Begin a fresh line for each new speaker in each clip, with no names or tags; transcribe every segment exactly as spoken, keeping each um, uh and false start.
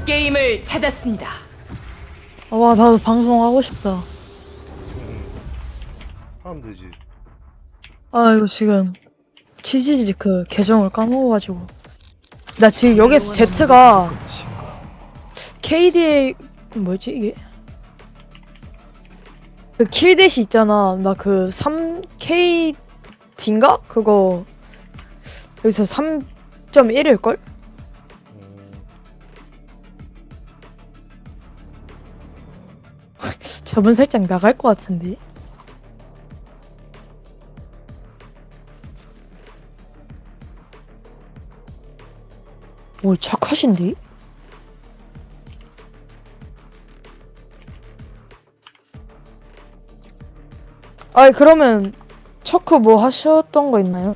게임을 찾았습니다.
아, 와, 나도 방송하고 싶다.
하면 되지.
아, 이거 지금 치즈지 그 계정을 까먹어가지고. 나 지금 여기서 Z가 케이디에이 뭐였지 이게? 그 킬댓이 있잖아. 나 그 삼 케이디인가? 그거 여기서 삼 점 일일걸?
음,
저분 살짝 나갈 것 같은데. 오, 착하신데? 아이, 그러면 척크 뭐 하셨던 거 있나요?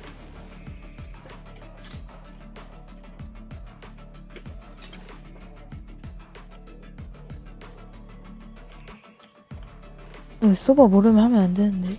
이거 서버 모르면 하면 안 되는데.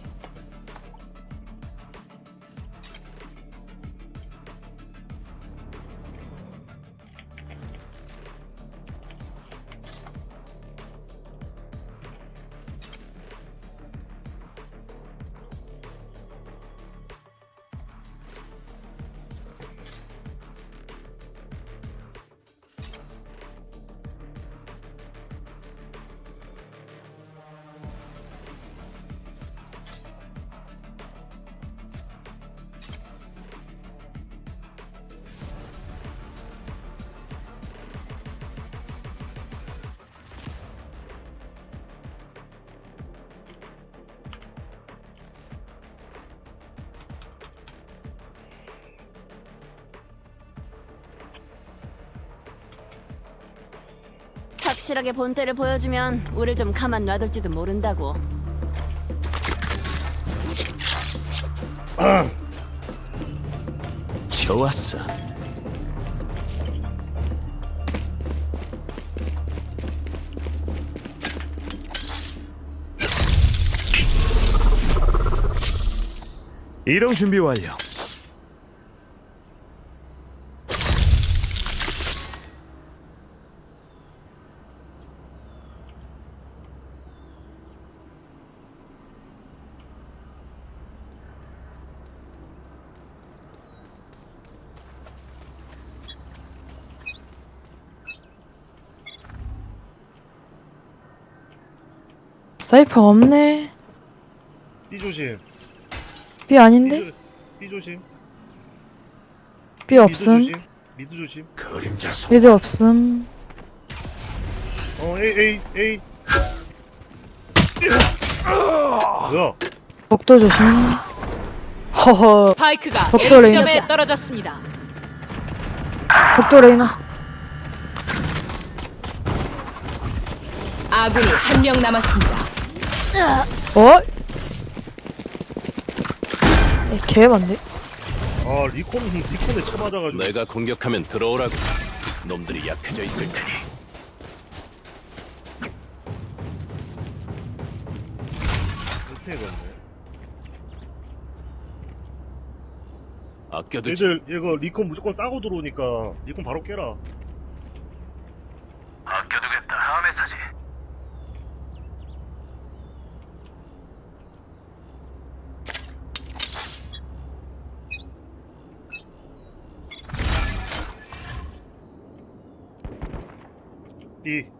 확실하게 본때를 보여주면 우릴 좀 가만 놔둘지도 모른다고.
좋았어. 이동 준비 완료.
사이퍼 없네.
B 조심.
B
B,
아닌데?
조, B 조심.
B 없음.
미드 조심. 미드 조심.
그림자 속.
미드 없음.
어, A, A, A. 뭐야?
복도 조심. 허허.
스파이크가
덕도 레이나.
A점에 떨어졌습니다.
복도 레이나.
아군이 한 명 남았습니다.
어? 에, 개반데?
아, 리콘, 리콘에 쳐맞아가지고.
내가 공격하면 들어오라고. 놈들이 약해져 있을 테니.
어떻게 됐네.
아껴두지.
얘들, 이거 리콘 무조건 싸고 들어오니까 리콘 바로 깨라.
아껴두겠다. 다음에 사지.
B.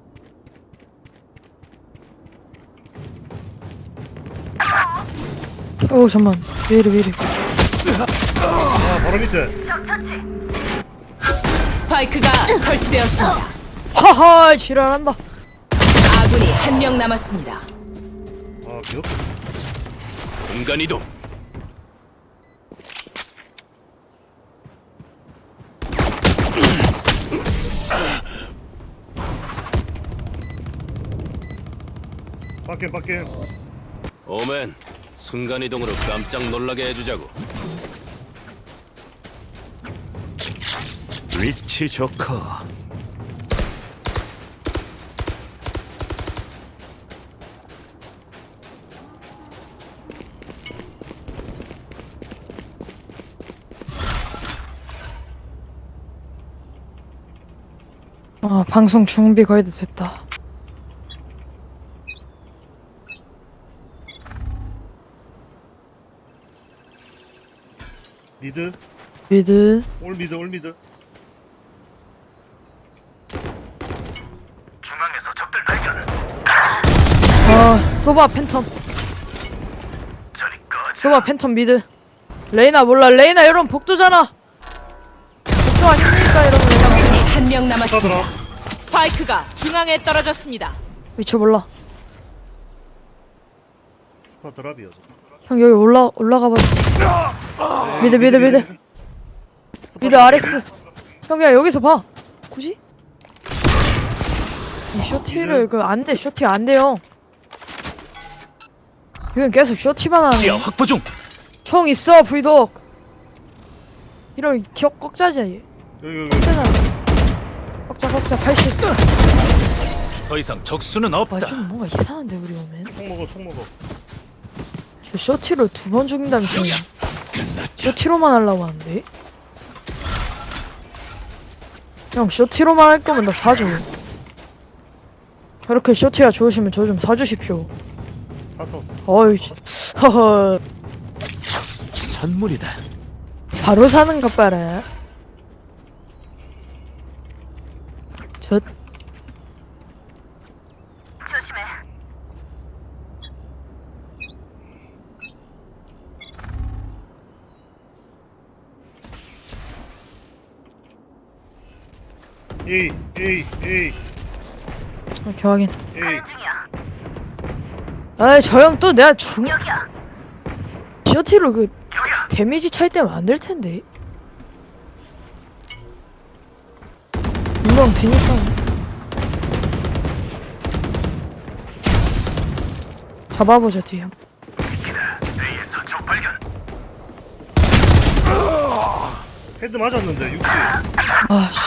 오, 잠만. 왜 이래, 왜 이래.
아, 바로 밑에.
스파이크가 설치되었습니다.
하하, 지랄한다.
아군이 한 명 남았습니다.
아, 귀엽다.
공간 이동.
빡겜, 빡겜.
오맨, 순간 이동으로 깜짝 놀라게 해주자고. 위치 좋고.
아 방송 준비 거의 다 됐다.
미드
미드.
올 미드 올 미드.
아 소바 팬텀. 소바 팬텀 미드. 레이나 몰라. 레이나 이런 복도잖아. 복도 아닙니까 이러면 그냥
적군이 한 명 남았습니다.
사더라.
스파이크가 중앙에 떨어졌습니다.
위치 몰라.
스파 드랍이어서.
형 여기 올라 올라가 봐. 미드 미드 미드. 미드 아레스. 형야 여기서 봐. 굳이? 이 쇼티를 그 안 돼. 쇼티 안 돼요. 이건 계속 쇼티만 하네.
지하 확보 중.
총 있어 브이독. 이런 기억 꺾자지 얘.
여기 여기.
꺾자잖아. 꺾자 꺾자 팔십.
더 이상 적수는 없다.
아좀 뭔가 이상한데 우리 오면.
총 먹어 총 먹어.
저 쇼티로 두 번 죽는다면서. 쇼티로만 하려고 하는데. 형 쇼티로만 할 거면 나 사줘. 그렇게 쇼티가 좋으시면 저 좀 사주십시오.
사서.
어이 허허.
선물이다.
바로 사는 것 봐라. 저
에이 에이 에이
이렇게 확인.
에이.
아이 저 형 또 내가 중 쇼티로 그 데미지 차이 때문에 안 될 텐데. 운동 뒤니까. 잡아보자 뒤 형.
헤드 맞았는데 육십.
아 씨.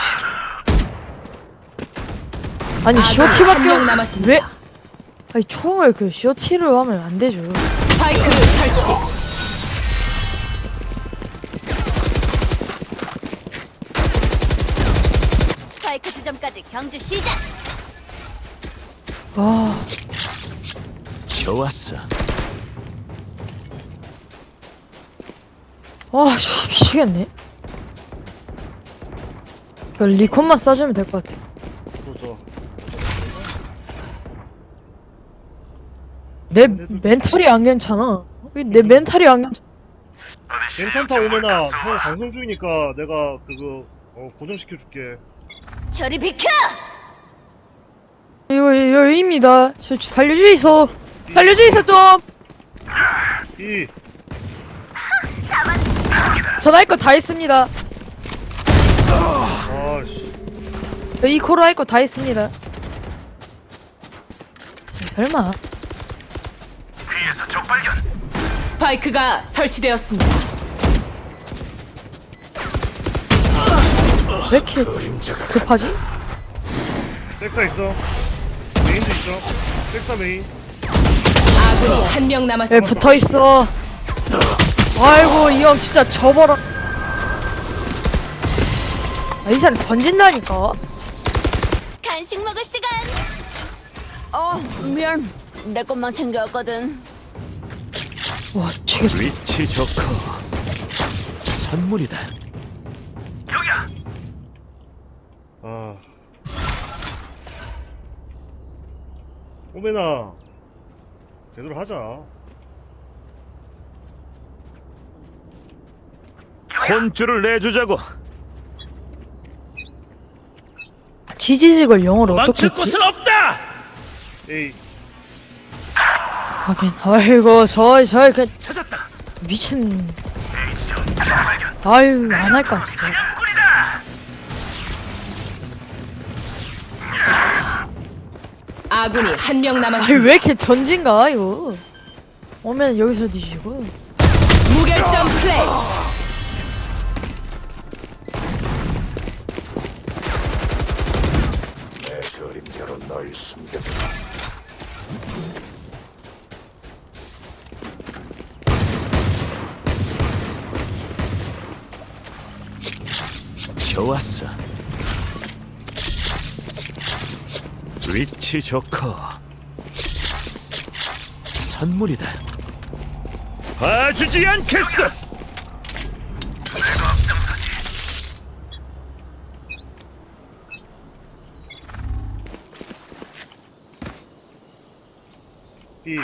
아니
아군이
쇼티밖에
한명
없-
남았습니다.
왜? 아니 총을 그 쇼티로 하면 안 되죠.
스파이크를 설치.
스파이크 지점까지 경주 시작.
아
좋았어.
와, 씨, 미치겠네. 그 리콘만 싸주면 될 것 같아.
좋죠.
내 멘탈이 안 괜찮아. 왜 내 멘탈이 안 괜찮아.
괜찮다 오면아. 형 방송 중이니까 내가 그거 어, 고정시켜줄게.
저리 비켜.
이거 여입니다. 저 살려주이소. 살려주이소 좀.
이
전화할 거 다 했습니다.
아씨.
이 코로 할 거 다 했습니다. 설마.
스파이크가 설치되었습니다.
왜 이렇게 급하지?
백사 있어. 메인도 있어. 백사 메인.
아군이 한 명
왜
남았습니다.
붙어 있어? 아이고 이 형 진짜 접어라. 아, 이 사람 던진다니까.
간식 먹을 시간. 어 미안. 내 것만 챙겨왔거든.
와 미치겠어.
위치 좋고 선물이다.
아. 오메나. 제대로 하자.
혼쭐을 내주자고.
지지직을 영어로 어떻게
망칠
했지?
곳은 없다.
에이.
하긴 아이고 저저 그
찾았다.
미친. 아유 안 할까 진짜.
아군이 한 명
아니
남았습니다.
왜 이렇게 전진가 이거. 오면 여기서 뒤지고.
무결점 플레이.
그림자로 널 숨겨줘. 좋았어. 위치 좋고 선물이다. 봐주지 않겠어.
B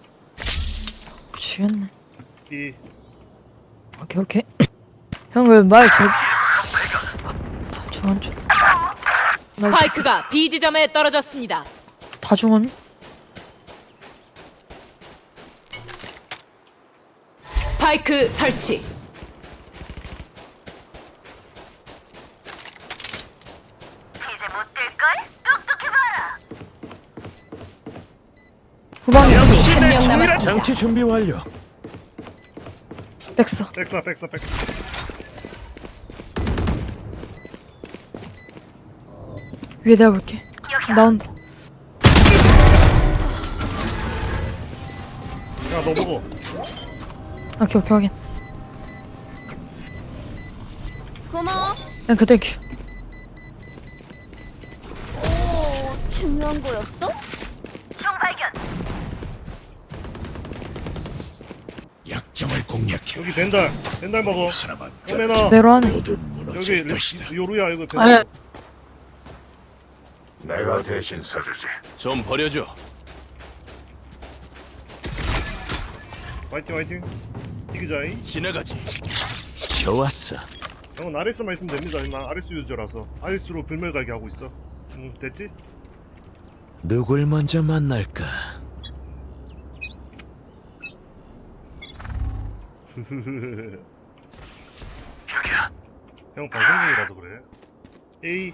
미치겠네.
B
오케이 오케이. 형 왜 말 제... 저한 줄.
스파이크가 B 지점에 떨어졌습니다.
다 중원.
스파이크 설치.
후방에
한 명
충분한
남았습니다.
장치 준비 완료.
백사.
백사 백사 백사.
위에 내가 볼게. 나온다.
야너 먹어.
오케이 오케이 확인.
고마워.
그냥 그대 큐.
오, 중요한 거였어?
약점을 공략해.
여기 벤달 벤달 먹어.
하나만
오메나
내로 하네.
모두
여기
무너질
레-
것이다.
요루야 이거 벤달.
아니
내가 대신 서주지.
좀 버려줘.
화이팅 화이팅. 이기자이.
지나가지.
좋았어.
형은 아레스만 있으면 됩니다. 난 아레스 유저라서 아레스로 불멸 가게 하고 있어. 응 됐지?
누굴 먼저 만날까?
형 방송 중이라서 그래. A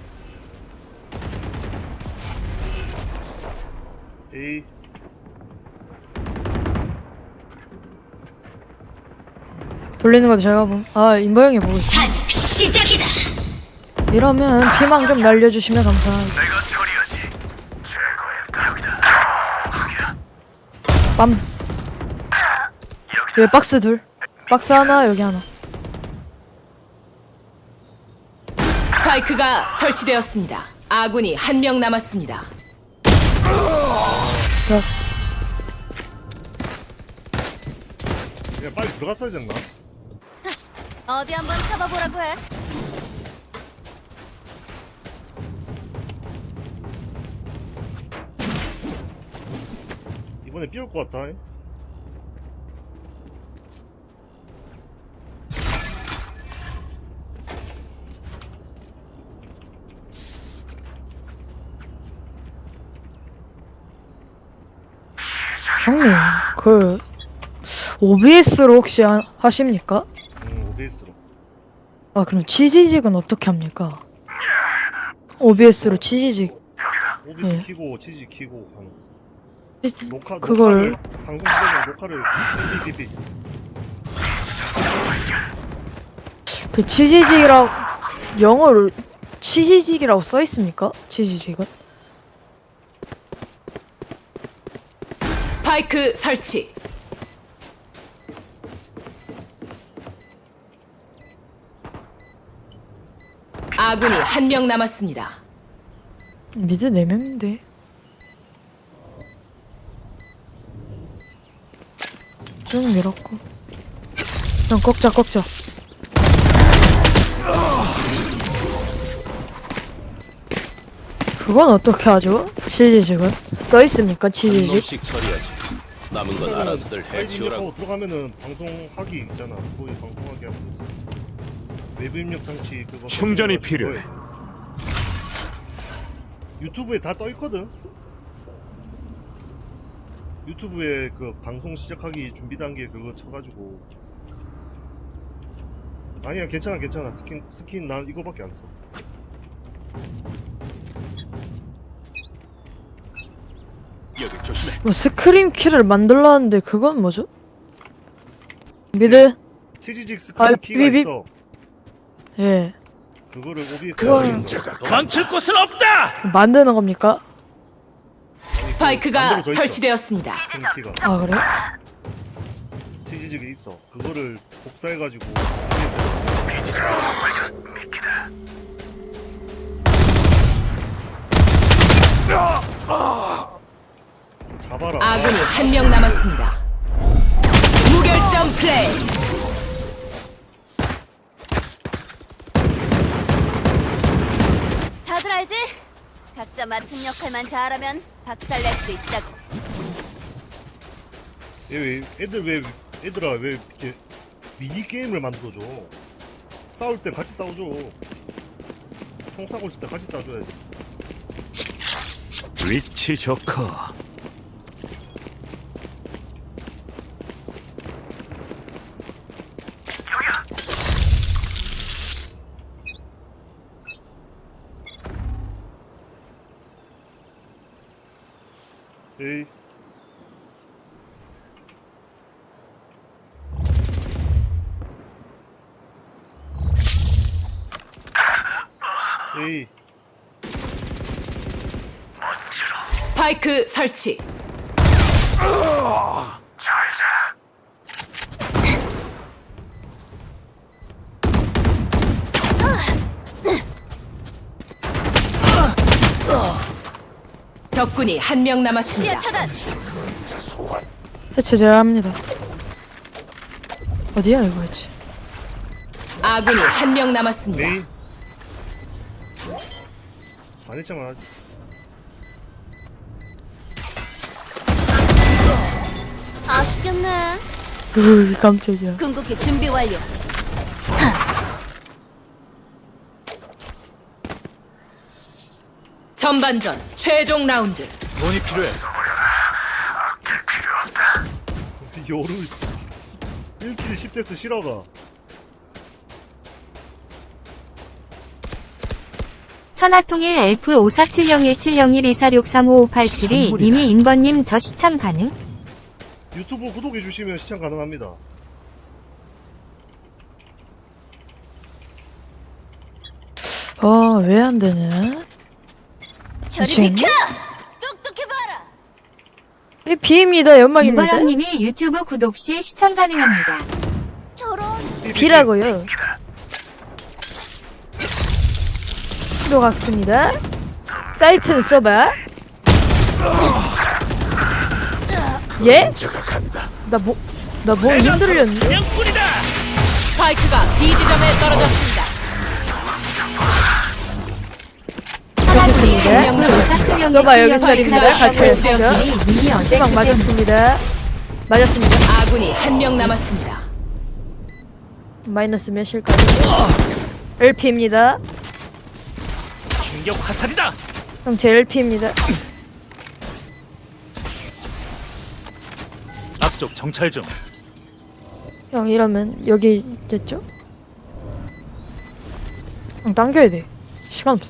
A
돌리는 것도 제가 봄. 아 인보 형이 보고 있어.
시작이다.
이러면 피망 좀 날려주시면 감사합니다. 빰. 여기 박스 둘. 박스 하나 여기 하나.
스파이크가 설치되었습니다. 아군이 한 명 남았습니다.
야,
그냥 빨리 들어갔어야 됐나?
어디 한번 잡아보라고 해.
이번에 삐올 것 같다.
형님 그 오비에스로 혹시 하, 하십니까?
응 오비에스로.
아 그럼 치지직은 어떻게 합니까? 오비에스로 치지직.
오비에스
예.
키고 치즈 키고 하는.
치-
녹화
그걸-
녹화를 방송 시간에 녹화를 삐삐삐.
그 치지직이라고 영어로 치지직이라고 써 있습니까? 치지직은?
스파이크 설치. 아군이 한 명 남았습니다.
미드 네 명인데. 쭉 밀었고. 그냥 꺾자 꺾자. 그건 어떻게 하죠? 치지직은? 써 있습니까?
한
치지직?
놈씩 처리하지. 남은 건 알아서들 해치우라고.
입력하고 들어가면은 방송하기 있잖아. 거기 방송하기 하면 되지. 외부 입력 장치 그거.
충전이
설정해가지고
필요해.
유튜브에 다 떠 있거든. 유튜브에 그 방송 시작하기 준비 단계 그거 쳐가지고. 아니야 괜찮아 괜찮아 스킨 스킨 난 이거밖에 안 써.
여기 조심해.
뭐 스크림 키를 만들라는데 그건 뭐죠? 미드?
치지직 스킨
아,
키가
삐삐.
있어.
예.
그거를 오비에스
그걸-
감출 곳은 없다.
만드는 겁니까?
스파이크가
만들어져 있어.
설치되었습니다.
키가
아 그래?
치지직이 있어. 그거를 복사해가지고 봐라.
아군이 한 명 남았습니다. 무결점 플레이.
다들 알지? 각자 맡은 역할만 잘하면 박살낼 수 있다고.
얘 왜, 애들 왜, 애들아 왜 이렇게 미니 게임을 만들어줘? 싸울 때 같이 싸워줘. 총 싸고 있을 때 같이 싸줘야지.
위치 좋고.
에이. 에이.
스파이크 설치. 적군이 한 명
시야
남았습니다.
차단.
대체 제가 합니다. 어디야 이거 대체?
아군이 한 명 남았습니다.
메인. 안 했잖아.
아쉽겠네.
으 깜짝이야.
궁극기 준비 완료.
전반전 최종 라운드.
돈이 필요해.
요를 일 킬 십 데스 실화가.
천하통일 에프 오사칠영일칠영일 이사육삼오오팔칠이 님이 인번님 저 시참 가능?
유튜브 구독해주시면 시청 가능합니다.
아 왜 안 되냐?
저리
미친?
비켜. 똑똑해봐라.
이 비입니다. 연막입니다.
인번님이 유튜브 구독 시 시청 가능합니다.
저런.
비라고요. 들어갔습니다. 사이트는 써봐. 예?
저가 간다.
나 뭐, 나 뭐 힘들렸는데?
사냥꾼이다.
스파이크가 B 지점에 떨어졌습니다.
천하통일
좋겠습니다.
에프 오사칠영일칠영일
써봐, 여기 있습니다. 같이
이사육삼오오팔칠이 님이 어제
희망
그때
맞았습니다. 맞았습니다.
아군이 한 명 남았습니다.
마이너스 몇일까요? 엘피입니다.
충격 화살이다.
형 제 엘피입니다.
앞쪽 정찰 중.
형 이러면 여기 있겠죠? 형 당겨야 돼. 시간 없어.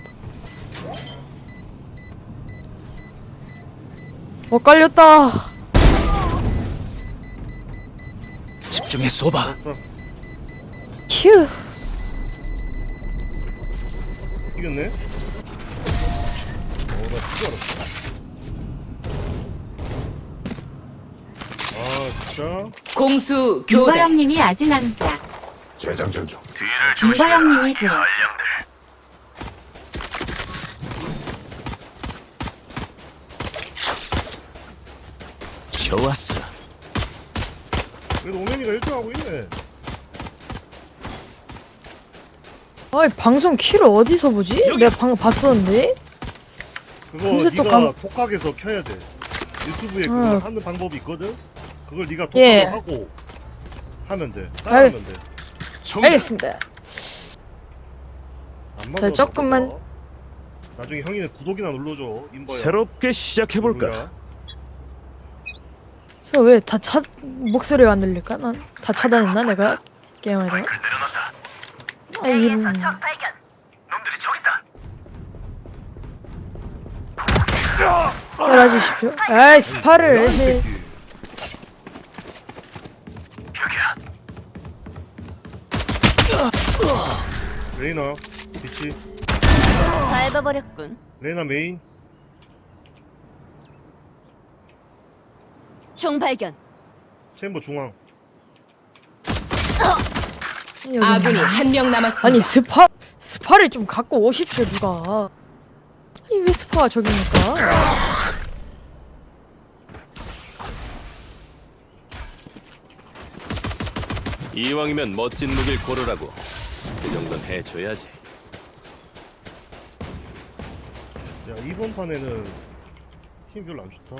어 깔렸다.
집중해 쏘봐.
알았어.
휴.
이겼네? 어, 나 진짜 알았어. 아, 진짜?
공수 교대.
인버형님이 아직 남자.
재장전 중.
인버형님이 들.
좋았어.
그래도 오면이가 일 등 하고 있네.
아이 방송 키를 어디서 보지? 내가 방금 봤었는데.
그거
금세 또
네가
감-
독학에서 켜야 돼. 유튜브에
어.
그거 하는 방법이 있거든? 그걸 네가 독학을
예.
하고 하면 돼. 따라하면 돼.
알겠습니다.
안
자,
맞아,
조금만-
나빠서. 나중에 형이는 구독이나 눌러줘. 인버야.
새롭게 시작해 볼까?
누구야?
저 왜 다 차 목소리가 안 들릴까? 난 다 차단했나 내가 게임하다가? 아 이런. 살아주십시오. 아이 스파를 해.
새끼. 레이나 비치.
밟아버렸군.
레이나 메인.
총 발견.
챔버 중앙.
여기.
아군이 한 명 남았습니다.
아니 스파 스파를 좀 갖고 오십시오 누가. 아니 왜 스파가 저기니까?
이왕이면 멋진 무기를 고르라고. 그 정도는 해줘야지.
야, 이번 판에는 힘 별로 안 좋다.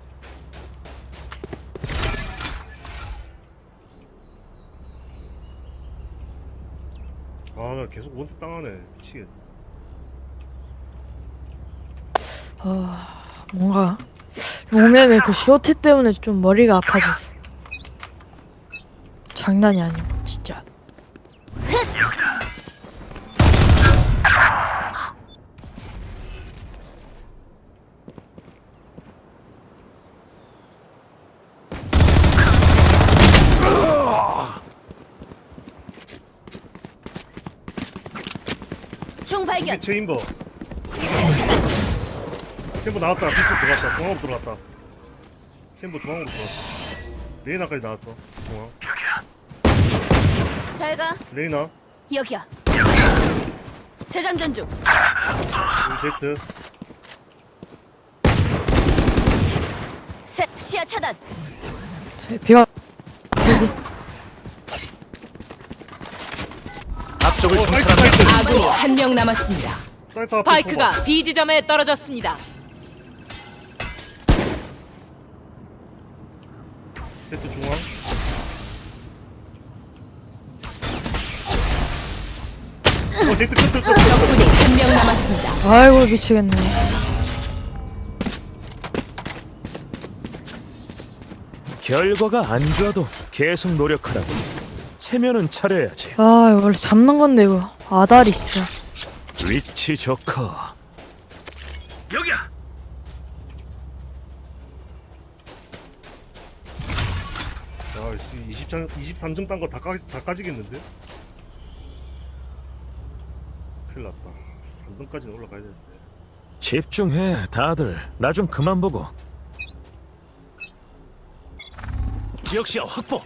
아, 나 계속 원탭 당하네. 미치겠네.
아 뭔가 용맨의 그 쇼트 때문에 좀 머리가 아파졌어. 장난이 아니고 진짜.
총 발견.
여기 체인버. 체인버 나왔다. 뒤쪽 들어갔다. 중앙으로 들어갔다. 체인버 중앙으로 들어갔다. 레이나까지 나왔어. 중앙.
잘 가.
레이나.
여기야. 재장전 중.
여기 제트.
셋. 시야 차단.
제 비가
앞쪽을
어, 사이트,
정찰한다.
사이트.
아군이 한 명 남았습니다.
사이트 앞에
스파이크가 B 지점에 떨어졌습니다.
제트 중앙. 어, 제트 끝, 끝, 끝.
적군이 한 명 남았습니다.
아이고 미치겠네.
결과가 안 좋아도 계속 노력하라고. 체면은 차려야지.
아 원래 잡는 건데 이거 아다리 진짜.
위치 좋고. 여기야.
야, 이십삼, 이십삼 점 딴 거 다 다 까지겠는데? 큰일 났다. 삼 등까지는 올라가야 되는데.
집중해, 다들. 나 좀 그만 보고. 지역시야 확보.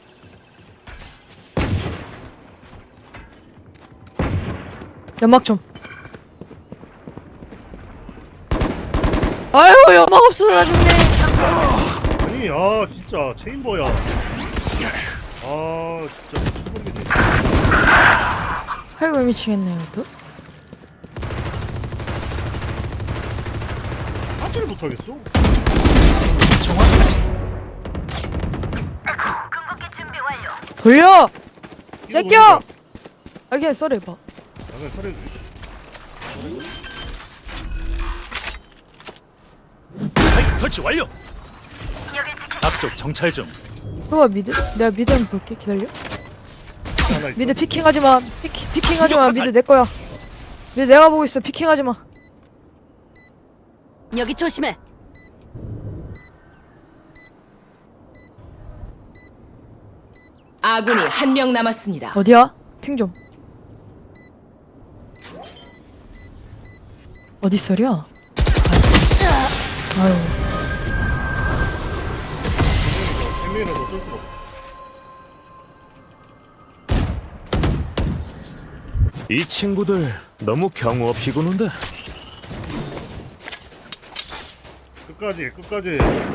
연막 좀. 아이고 연막 없어 나중에.
아니, 아, 진짜, 체인버야. 아, 진짜, 미쳐버리겠네.
아이고 미치겠네 이것도.
하지를 못하겠어.
정확하지.
돌려.
이거
제껴.
보니까
아 그냥 썰어 봐.
나는 살해.
스파이크 설치 완료. 앞쪽 정찰 중.
쏘아 미드. 내가 미드 한번 볼게. 기다려.
하나 있어.
미드 피킹하지 마. 피킹 피킹하지 마.
충격화살.
미드 내 거야. 미드 내가 보고 있어. 피킹하지 마.
여기 조심해.
아군이 한 명 남았습니다.
어디야? 핑 좀. 어디 썰이야? 아유.
세 명이라도 어쩔 수가 없어.
이 친구들 너무 경우 없이 구는데.
끝까지, 끝까지.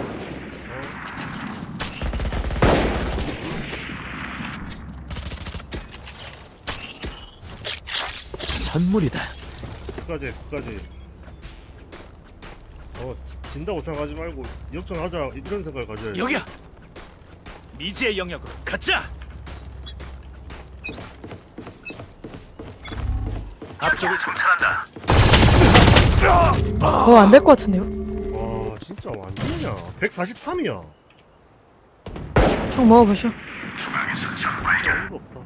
선물이다.
끝까지, 끝까지. 어, 진다고 생각하지 말고 역전하자 이런 생각을 가져야지.
여기야. 미지의 영역으로 가자. 앞쪽을 정찰한다.
어, 안 될 것 같은데요?
와, 진짜 완전이야. 백사십삼이야.
총 먹어보셔.
진짜 어이가 없다.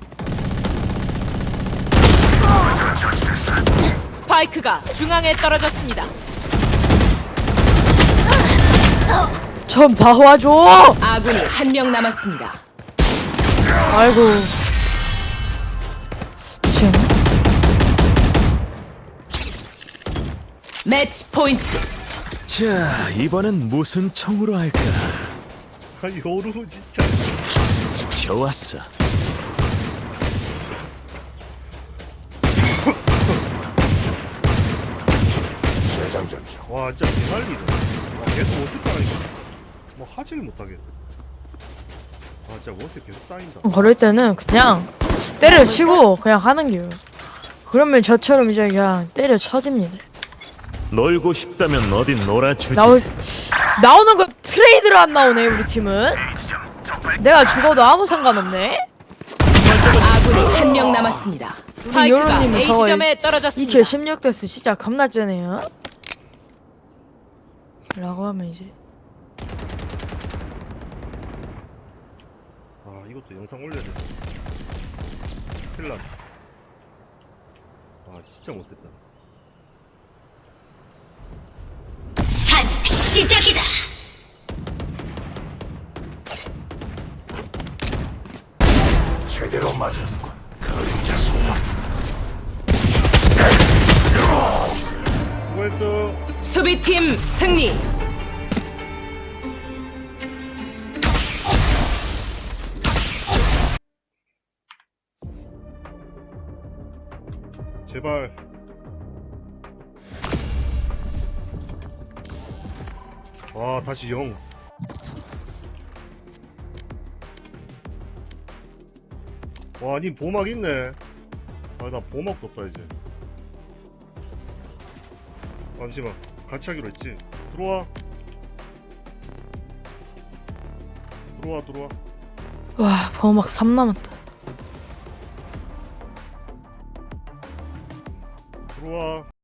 스파이크가 중앙에 떨어졌습니다.
좀 나와줘!
아군이 한 명 남았습니다.
아이고. 미치겠네.
매치 포인트.
자, 이번엔 무슨 총으로 할까?
아, 요루 진짜.
좋았어.
와, 진짜 개난리네. 와, 계속 어떻게 하니까. 뭐 하지를 못하겠어. 아, 진짜 원스 계속 쌓인다.
그럴 때는 그냥 때려치고 그냥 하는 게요. 그러면 저처럼 이제 그냥 때려쳐집니다.
놀고 싶다면 어딘 놀아주지.
나올 나오는 거 트레이드로 안 나오네 우리 팀은. 내가 죽어도 아무 상관없네.
아군이 한 명 남았습니다. 스파이크가
요런님은
A
저거
지점에 떨어졌습니다.
이킬 십육 데스 진짜 겁나 쩌네요. 라고 하면 이제
아 이것도 영상 올려야 돼. 큰일 났다. 아 진짜 못됐다.
산 시작이다.
제대로 맞았군. 그림자 소년.
수고했어.
수비팀 승리.
제발. 와 다시 영. 와, 니 보막 있네. 아, 나 보막도 없다, 이제. 잠시만. 같이 하기로 했지. 들어와. 들어와, 들어와.
와 버막 삼 남았다.
들어와.